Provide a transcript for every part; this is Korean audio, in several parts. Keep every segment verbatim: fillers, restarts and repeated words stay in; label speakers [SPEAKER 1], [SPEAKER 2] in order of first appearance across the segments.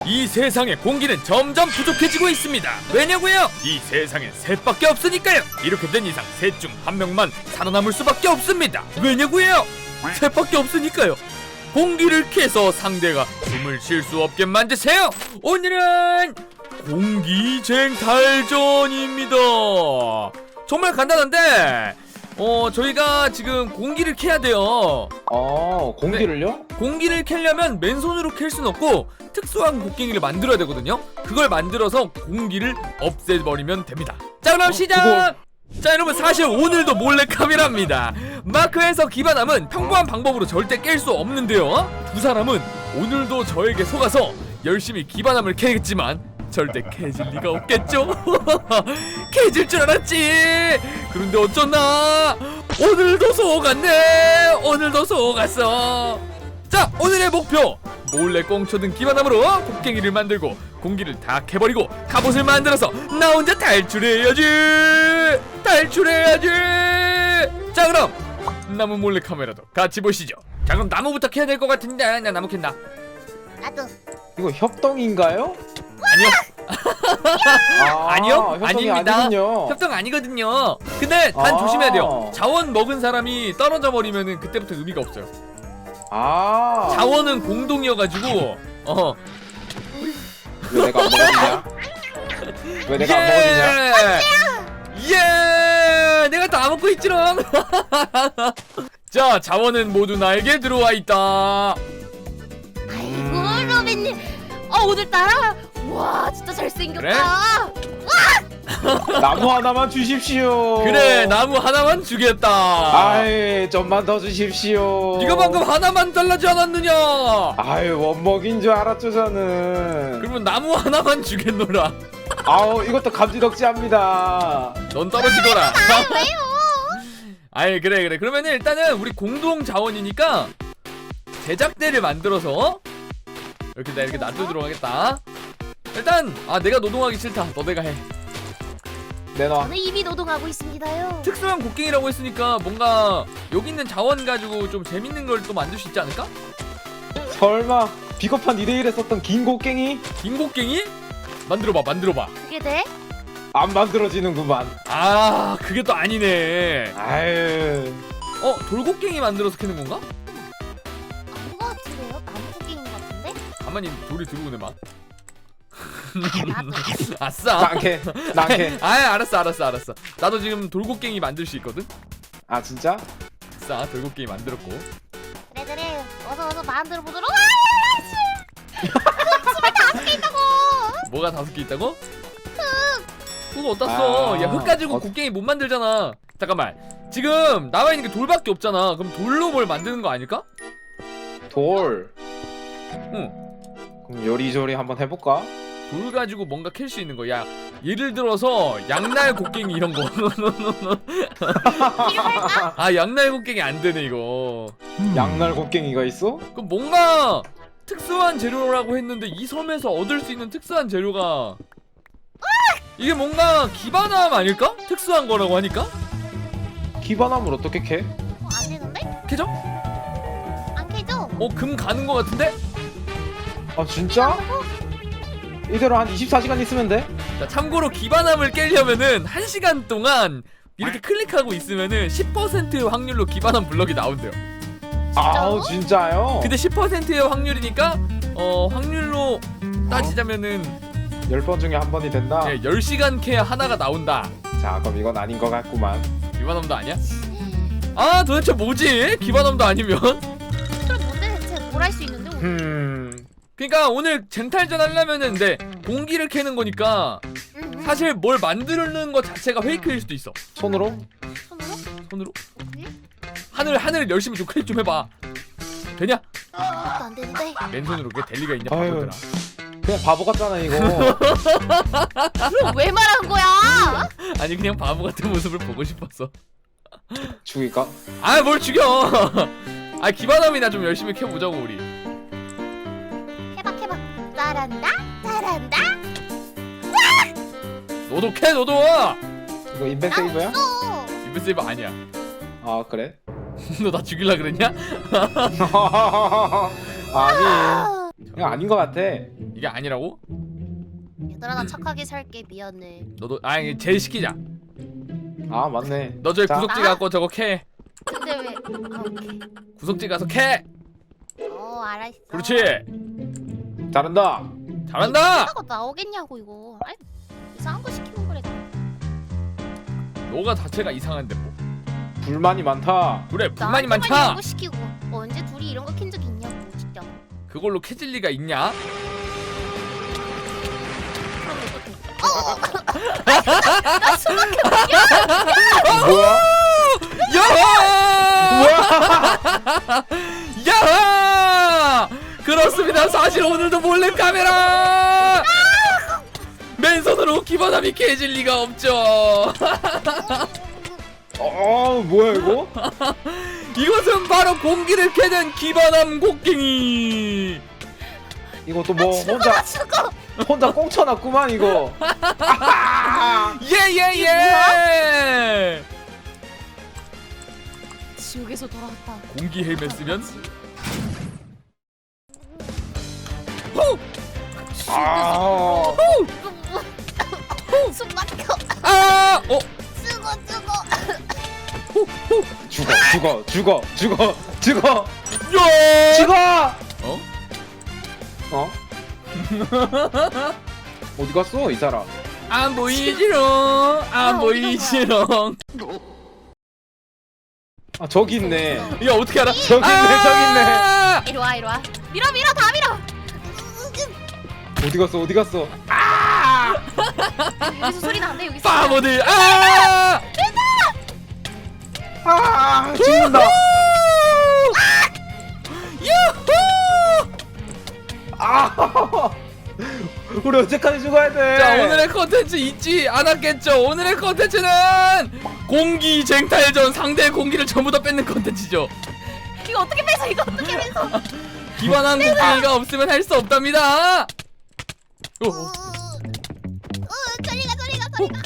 [SPEAKER 1] 이 세상의 공기는 점점 부족해지고 있습니다. 왜냐고요? 이 세상엔 셋밖에 없으니까요. 이렇게 된 이상 셋 중 한 명만 살아남을 수밖에 없습니다. 왜냐고요? 셋밖에 없으니까요. 공기를 캐서 상대가 숨을 쉴 수 없게 만드세요. 오늘은 공기쟁 탈전입니다. 정말 간단한데 어 저희가 지금 공기를 캐야 돼요.
[SPEAKER 2] 어 공기를요?
[SPEAKER 1] 네, 공기를 캐려면 맨손으로 캘 수는 없고 특수한 곡괭이를 만들어야 되거든요. 그걸 만들어서 공기를 없애버리면 됩니다. 자 그럼
[SPEAKER 2] 어,
[SPEAKER 1] 시작!
[SPEAKER 2] 그거...
[SPEAKER 1] 자 여러분, 사실 오늘도 몰래카메라입니다. 마크에서 기반함은 평범한 방법으로 절대 깰 수 없는데요, 두 사람은 오늘도 저에게 속아서 열심히 기반함을 캐겠지만 절대 캐질 리가 없겠죠? 캐질 줄 알았지. 그런데 어쩌나 오늘도 속았네. 오늘도 속았어. 자, 오늘의 목표, 몰래 꽁쳐든 기반함으로 곡괭이를 만들고 공기를 다 캐버리고 갑옷을 만들어서 나 혼자 탈출해야지. 탈출해야지. 자 그럼 나무 몰래 카메라도 같이 보시죠. 자 그럼 나무부터 캐야 될 것 같은데. 나 나무 캔다.
[SPEAKER 3] 나도.
[SPEAKER 2] 이거 협동인가요?
[SPEAKER 1] 아니요.
[SPEAKER 2] 아,
[SPEAKER 1] 아니요,
[SPEAKER 2] 협동이
[SPEAKER 1] 아닙니다.
[SPEAKER 2] 아니군요.
[SPEAKER 1] 협동 아니거든요. 근데 단
[SPEAKER 2] 아.
[SPEAKER 1] 조심해야 돼요. 자원 먹은 사람이 떨어져 버리면은 그때부터 의미가 없어요.
[SPEAKER 2] 아
[SPEAKER 1] 자원은 공동이어가지고 어.
[SPEAKER 2] 왜 내가 안 먹어지냐? 왜 내가 안 먹어지냐?
[SPEAKER 1] 예! 내가 다 먹고 있지롱. 자, 자원은 모두 나에게 들어와 있다.
[SPEAKER 3] 아이고 로빈님, 어 오늘따라 와 진짜 잘생겼다.
[SPEAKER 1] 그래?
[SPEAKER 2] 나무 하나만 주십시오.
[SPEAKER 1] 그래, 나무 하나만 주겠다.
[SPEAKER 2] 아이 좀만 더 주십시오.
[SPEAKER 1] 네가 방금 하나만 달라지 않았느냐?
[SPEAKER 2] 아유 원먹인 줄 알았죠 저는.
[SPEAKER 1] 그러면 나무 하나만 주겠노라.
[SPEAKER 2] 아우 이것도 감지덕지합니다.
[SPEAKER 1] 넌 떨어지거라.
[SPEAKER 3] 아 왜요?
[SPEAKER 1] 아이 그래 그래. 그러면은 일단은 우리 공동 자원이니까 제작대를 만들어서 이렇게 나 이렇게 놔두도록 하겠다. 일단 아 내가 노동하기 싫다. 너네가 해.
[SPEAKER 2] 내놔.
[SPEAKER 3] 저는 이미 노동하고 있습니다요.
[SPEAKER 1] 특수한 곡괭이라고 했으니까 뭔가 여기 있는 자원 가지고 좀 재밌는 걸 또 만들 수 있지 않을까?
[SPEAKER 2] 설마 비겁한 이 대 일에 썼던 긴 곡괭이?
[SPEAKER 1] 긴 곡괭이? 만들어봐 만들어봐.
[SPEAKER 3] 그게 돼?
[SPEAKER 2] 안 만들어지는구만.
[SPEAKER 1] 아 그게 또 아니네.
[SPEAKER 2] 아유.
[SPEAKER 1] 어 돌곡괭이 만들어서 캐는 건가?
[SPEAKER 3] 아닌 것 같은데요? 나무 곡괭인 것 같은데?
[SPEAKER 1] 가만히 돌이 들어오네 막.
[SPEAKER 3] 나도.
[SPEAKER 1] 아싸.
[SPEAKER 2] 난캐 난캐.
[SPEAKER 1] 아 알았어 알았어 알았어. 나도 지금 돌곡괭이 만들 수 있거든.
[SPEAKER 2] 아 진짜?
[SPEAKER 1] 아싸 돌곡괭이 만들었고.
[SPEAKER 3] 그래 그래. 어서 어서 만들어 보도록. 아, 씨. 스물다섯 개 있다고.
[SPEAKER 1] 뭐가 다섯 개 있다고? 흙 어디다 써?
[SPEAKER 2] 아,
[SPEAKER 1] 야 흙 가지고
[SPEAKER 2] 어...
[SPEAKER 1] 곡괭이 못 만들잖아. 잠깐만. 지금 나와 있는 게 돌밖에 없잖아. 그럼 돌로 뭘 만드는 거 아닐까?
[SPEAKER 2] 돌.
[SPEAKER 1] 응.
[SPEAKER 2] 그럼 요리조리 한번 해볼까?
[SPEAKER 1] 돌 가지고 뭔가 캘 수 있는 거. 야 예를 들어서 양날 곡괭이 이런 거.
[SPEAKER 3] 필요할까?
[SPEAKER 1] 아 양날 곡괭이 안 되네 이거.
[SPEAKER 2] 양날 곡괭이가 있어?
[SPEAKER 1] 그럼 뭔가 특수한 재료라고 했는데 이 섬에서 얻을 수 있는 특수한 재료가 이게 뭔가 기반함 아닐까? 특수한 거라고 하니까?
[SPEAKER 2] 기반함을 어떻게 캐?
[SPEAKER 3] 어, 안 되는데?
[SPEAKER 1] 캐죠?
[SPEAKER 3] 안 캐죠?
[SPEAKER 1] 어 금 가는 거 같은데?
[SPEAKER 2] 아 진짜? 이대로 한 이십사 시간 있으면 돼?
[SPEAKER 1] 자 참고로 기반함을 깨려면은 한 시간 동안 이렇게 클릭하고 있으면은 십 퍼센트의 확률로 기반함 블럭이 나온대요.
[SPEAKER 2] 아우 진짜요?
[SPEAKER 1] 근데 십 퍼센트의 확률이니까 어 확률로 따지자면은
[SPEAKER 2] 열 번 중에 한 번이 된다?
[SPEAKER 1] 예, 열 시간 캐야 하나가 나온다.
[SPEAKER 2] 자 그럼 이건 아닌 것 같구만.
[SPEAKER 1] 기반함도 아니야? 아 도대체 뭐지? 기반함도 아니면?
[SPEAKER 3] 그럼 뭔데 대체 뭘 할 수 있는데 오늘?
[SPEAKER 2] 음...
[SPEAKER 1] 그러니까 오늘 쟁탈전 하려면은 근데 공기를 캐는 거니까
[SPEAKER 3] 응, 응.
[SPEAKER 1] 사실 뭘 만드는 것 자체가 페이크일 수도 있어.
[SPEAKER 2] 손으로?
[SPEAKER 3] 손으로?
[SPEAKER 1] 손으로?
[SPEAKER 3] 어떻게?
[SPEAKER 1] 하늘 하늘 열심히 좀 클릭 좀 해봐. 되냐?
[SPEAKER 3] 아무것도 안 되는데.
[SPEAKER 1] 맨손으로 그게 될 리가 있냐
[SPEAKER 2] 아유.
[SPEAKER 1] 바보들아.
[SPEAKER 2] 그냥 바보 같잖아 이거.
[SPEAKER 3] 그럼 왜 말하는 거야?
[SPEAKER 1] 아니 그냥 바보 같은 모습을 보고 싶었어.
[SPEAKER 2] 죽일까?
[SPEAKER 1] 아 뭘 죽여. 아 기반함이나 좀 열심히 캐보자고 우리.
[SPEAKER 3] 해봐 해봐. 잘한다 잘한다.
[SPEAKER 1] 너도 캐 너도.
[SPEAKER 2] 이거 인벤 세이브야?
[SPEAKER 3] 없어.
[SPEAKER 1] 인벤 세이브 아니야.
[SPEAKER 2] 아 그래?
[SPEAKER 1] 너 나 죽일라 그랬냐?
[SPEAKER 2] 아니 이거 아닌 것 같아.
[SPEAKER 1] 이게 아니라고?
[SPEAKER 3] 얘들아 나 착하게 살게 미안해.
[SPEAKER 1] 너도 아니 제일 시키자.
[SPEAKER 2] 아 맞네.
[SPEAKER 1] 너 저기
[SPEAKER 2] 자.
[SPEAKER 1] 구석지
[SPEAKER 3] 나?
[SPEAKER 1] 갖고 저거 캐.
[SPEAKER 3] 근데 왜? 아, 오케이.
[SPEAKER 1] 구석지 가서 캐.
[SPEAKER 3] 어 알았어.
[SPEAKER 1] 그렇지.
[SPEAKER 2] 잘한다.
[SPEAKER 1] 잘한다.
[SPEAKER 3] 이거 나오겠냐고 이거. 아니 이상한 거 시키면 그래.
[SPEAKER 1] 너가 자체가 이상한데 뭐.
[SPEAKER 2] 불만이 많다.
[SPEAKER 1] 그래 불만이
[SPEAKER 3] 나한테만
[SPEAKER 1] 많다.
[SPEAKER 3] 이런 거 시키고 언제 둘이 이런 거 킨 적 있냐고 진짜.
[SPEAKER 1] 그걸로 캐질 리가 있냐?
[SPEAKER 2] 뭐야?
[SPEAKER 1] 야! 야! 그렇습니다. 사실 오늘도 몰래 카메라. 맨손으로 기반함이 캐질 리가 없죠.
[SPEAKER 2] 어 뭐야 이거?
[SPEAKER 1] 이것은 바로 공기를 캐는 기반함 곡괭이.
[SPEAKER 2] 이거 또 뭐
[SPEAKER 3] 죽어
[SPEAKER 2] 혼자
[SPEAKER 3] 나 죽어.
[SPEAKER 2] 혼자 꽁쳐놨구만 이거.
[SPEAKER 1] 예예예.
[SPEAKER 3] 지옥에서 돌아왔다.
[SPEAKER 1] 공기 헬멧 쓰면 호!
[SPEAKER 2] 아.
[SPEAKER 3] 숨 막혀.
[SPEAKER 1] 아! 어?
[SPEAKER 3] 죽어 죽어.
[SPEAKER 2] 죽어 죽어 죽어 죽어 죽어
[SPEAKER 1] 야!
[SPEAKER 2] 죽어.
[SPEAKER 1] 어?
[SPEAKER 2] 어? 어디 갔어 이 사람?
[SPEAKER 1] 안 보이지롱. 안
[SPEAKER 3] 아,
[SPEAKER 1] 보이지롱.
[SPEAKER 2] 아 저기 있네.
[SPEAKER 1] 야 어떻게 알아?
[SPEAKER 2] 저기 있네 저기 있네.
[SPEAKER 1] 아!
[SPEAKER 3] 이리 와 이리 와. 밀어 밀어 다 밀어.
[SPEAKER 2] 어디 갔어 어디 갔어?
[SPEAKER 3] 여기서 소리 나는데 여기서.
[SPEAKER 1] 바보들. 아!
[SPEAKER 2] 아 죽는다.
[SPEAKER 1] 유후!
[SPEAKER 2] 아 우리 언제까지 죽어야 돼?
[SPEAKER 1] 자 오늘의 컨텐츠 잊지 않았겠죠? 오늘의 컨텐츠는 공기 쟁탈전. 상대의 공기를 전부 다 뺏는 컨텐츠죠.
[SPEAKER 3] 이거 어떻게 뺏어 이거 어떻게 뺏어?
[SPEAKER 1] 기반한 공기가 없으면 할 수 없답니다. 어, 어.
[SPEAKER 3] 어, 저리가 저리가 저리가.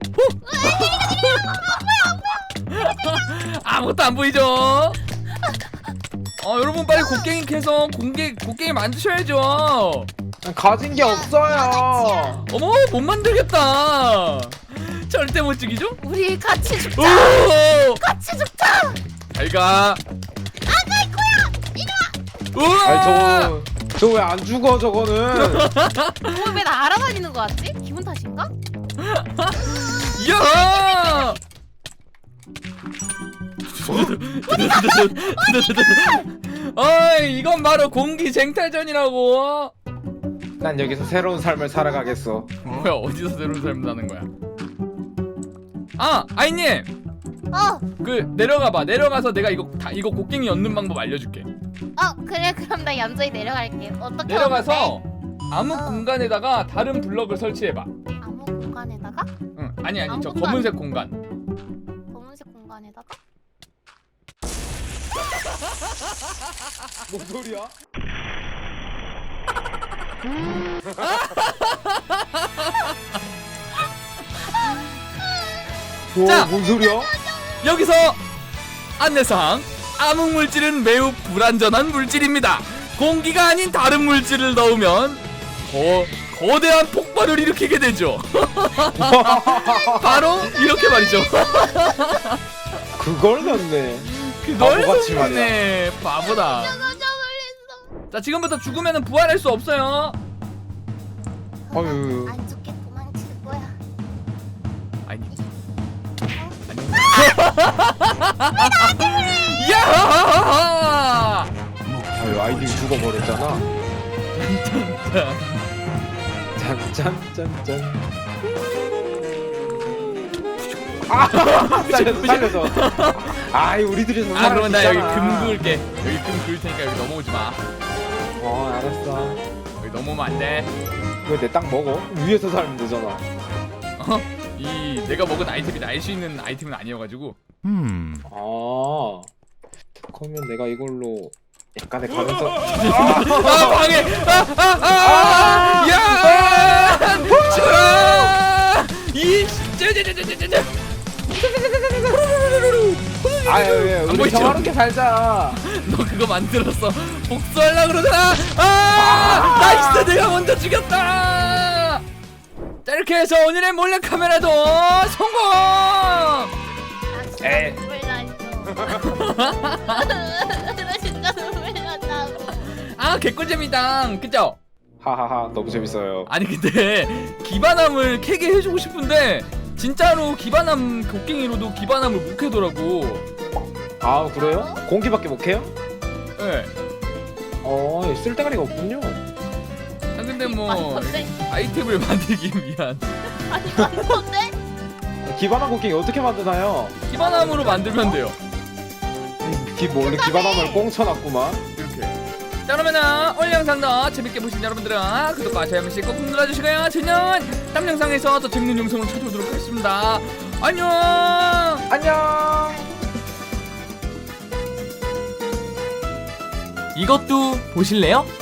[SPEAKER 1] 아무것도 안 보이죠? 어 여러분 빨리 곡괭이 캐서 공기 곡괭이 만드셔야죠.
[SPEAKER 2] 가진 게 없어요.
[SPEAKER 1] 어머 못 만들겠다. 절대 못 죽이죠?
[SPEAKER 3] 우리 같이 죽자.
[SPEAKER 1] 오!
[SPEAKER 3] 같이 죽자.
[SPEAKER 1] 잘가.
[SPEAKER 3] 안갈 거야. 이리 와.
[SPEAKER 1] 우와!
[SPEAKER 2] 아니 저거 저거 왜 안 죽어 저거는?
[SPEAKER 3] 어, 왜나 알아다니는 거 같지? 기분 탓인가?
[SPEAKER 1] 야! 어이 이건 바로 공기 쟁탈전이라고.
[SPEAKER 2] 난 여기서 새로운 삶을 살아가겠어.
[SPEAKER 1] 뭐야 어디서 새로운 삶을 사는 거야? 아 아이님
[SPEAKER 3] 어.
[SPEAKER 1] 그 내려가봐. 내려가서 내가 이거 다 이거 곡괭이 얻는 방법 알려줄게.
[SPEAKER 3] 어 그래 그럼 나 얌전히 내려갈게. 어떻게
[SPEAKER 1] 내려가서
[SPEAKER 3] 하는데?
[SPEAKER 1] 아무
[SPEAKER 3] 어.
[SPEAKER 1] 공간에다가 다른 블럭을 설치해봐.
[SPEAKER 3] 아무 공간에다가?
[SPEAKER 1] 응 아니 아니
[SPEAKER 3] 아무
[SPEAKER 1] 저
[SPEAKER 3] 공간.
[SPEAKER 1] 검은색 공간.
[SPEAKER 3] 검은색 공간에다가?
[SPEAKER 2] 뭔 소리야?
[SPEAKER 1] 자.
[SPEAKER 2] 오, 뭔 소리야?
[SPEAKER 1] 여기서 안내사항. 암흑 물질은 매우 불안전한 물질입니다. 공기가 아닌 다른 물질을 넣으면 거, 거대한 폭발을 일으키게 되죠. 바로 이렇게 말이죠.
[SPEAKER 2] 그걸 넣네.
[SPEAKER 1] 그걸
[SPEAKER 2] 바보같이
[SPEAKER 1] 썼네. 바보다.
[SPEAKER 3] 깜짝 놀랐어.
[SPEAKER 1] 자 지금부터 죽으면 부활할 수 없어요.
[SPEAKER 2] 어휴.
[SPEAKER 3] 안 죽게 도망칠 거야.
[SPEAKER 1] 아니
[SPEAKER 3] 어?
[SPEAKER 1] 야!
[SPEAKER 2] 아유 아이디 죽어버렸잖아. 짠짠짠짠. 아 살려서 살려서. 아이 우리들이 정말.
[SPEAKER 1] 아 그러면 나 여기
[SPEAKER 2] 있잖아.
[SPEAKER 1] 금 그을게. 여기 금 그을 테니까 여기 넘어오지 마.
[SPEAKER 2] 어 알았어.
[SPEAKER 1] 여기 넘어오면 안 돼.
[SPEAKER 2] 왜 내 땅 먹어? 위에서 살면 되잖아.
[SPEAKER 1] 어? 이 내가 먹은 아이템이 날 수 있는 아이템은 아니어가지고.
[SPEAKER 2] 아 그러면 내가 이걸로 약간의 가면서.
[SPEAKER 1] 아 방해! 아아아! 야! 죽어라! 이 쩌쩌쩌쩌쩌쩌.
[SPEAKER 2] 아유 왜
[SPEAKER 1] 안
[SPEAKER 2] 우리
[SPEAKER 1] 보이죠?
[SPEAKER 2] 평화롭게 살자.
[SPEAKER 1] 너 그거 만들었어. 복수하려고 그러잖아. 아 나이스, 내가 먼저 죽였다. 자, 이렇게 해서 오늘의 몰래카메라도 성공.
[SPEAKER 3] 나 진짜
[SPEAKER 2] 에이.
[SPEAKER 3] 눈물 났어. 나 진짜 눈물 났다고.
[SPEAKER 1] 아 개꿀잼이다, 그죠?
[SPEAKER 2] 하하하 너무 재밌어요.
[SPEAKER 1] 아니 근데 기반함을 캐게 해주고 싶은데 진짜로 기반함 곡괭이로도 기반함을 못 캐더라고.
[SPEAKER 2] 아 그래요? 공기밖에 못 해요?
[SPEAKER 1] 예.
[SPEAKER 2] 어 쓸데가리가 없군요.
[SPEAKER 1] 아 근데 뭐
[SPEAKER 3] 많던데?
[SPEAKER 1] 아이템을 만들기 위한
[SPEAKER 3] 아니 많던데?
[SPEAKER 2] 기반함 곡괭이 어떻게 만드나요?
[SPEAKER 1] 기반함으로 만들면 돼요.
[SPEAKER 2] 기 원래 기반함을 꽁쳐놨구만.
[SPEAKER 1] 이렇게. 자, 그러면은 오늘 영상도 재밌게 보신 여러분들은 구독과 좋아요 한 번씩 꼭 눌러주시고요. 저는 다음 영상에서 더 재밌는 영상으로 찾아오도록 하겠습니다. 안녕.
[SPEAKER 2] 안녕.
[SPEAKER 1] 이것도 보실래요?